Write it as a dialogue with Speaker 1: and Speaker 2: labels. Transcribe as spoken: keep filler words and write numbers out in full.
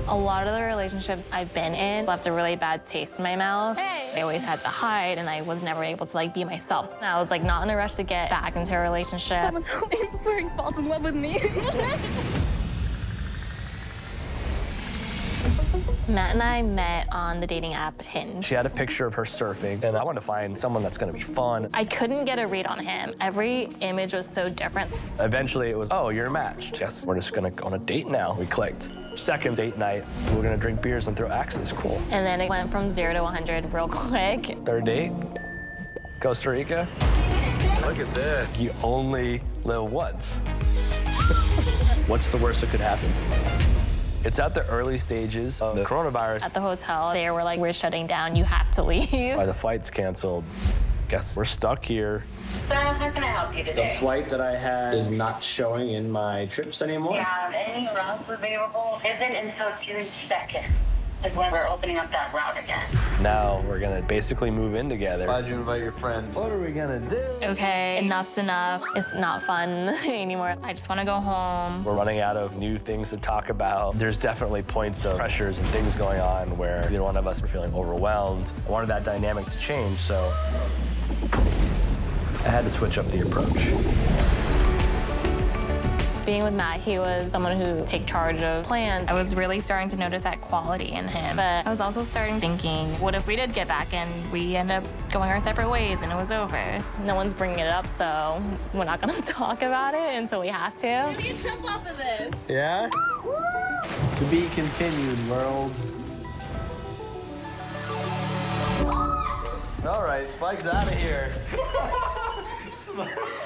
Speaker 1: A lot of the relationships I've been in left a really bad taste in my mouth. Hey. I always had to hide, and I was never able to like be myself. And I was like not in a rush to get back into a relationship.
Speaker 2: Someone where he falls in love with me.
Speaker 1: Matt and I met on the dating app Hinge.
Speaker 3: She had a picture of her surfing, and I wanted to find someone that's gonna be fun.
Speaker 1: I couldn't get a read on him. Every image was so different.
Speaker 3: Eventually it was, oh, you're matched. Guess we're just gonna go on a date now. We clicked. Second date night, we're gonna drink beers and throw axes, cool.
Speaker 1: And then it went from zero to one hundred real quick.
Speaker 3: Third date, Costa Rica. Look at this. You only live once. What's the worst that could happen? It's at the early stages of the coronavirus.
Speaker 1: At the hotel, they were like, we're shutting down, you have to leave.
Speaker 3: Why the flight's canceled. Guess we're stuck here.
Speaker 4: So how can I help you today?
Speaker 5: The flight that I had is not showing in my trips anymore.
Speaker 4: We have any routes available. Isn't until June second is when we're opening up that route again.
Speaker 3: Now we're gonna basically move in together.
Speaker 5: Why'd you invite your friend?
Speaker 3: What are we gonna do?
Speaker 1: Okay, enough's enough. It's not fun anymore. I just want to go home.
Speaker 3: We're running out of new things to talk about. There's definitely points of pressures and things going on where either one of us are feeling overwhelmed. I wanted that dynamic to change, so I had to switch up the approach.
Speaker 1: Being with Matt, he was someone who take charge of plans. I was really starting to notice that quality in him. But I was also starting thinking, what if we did get back and we end up going our separate ways and it was over? No one's bringing it up, so we're not gonna talk about it until we have to.
Speaker 2: Maybe you jump off of this.
Speaker 5: Yeah? To be continued, world.
Speaker 3: All right, Spike's out of here.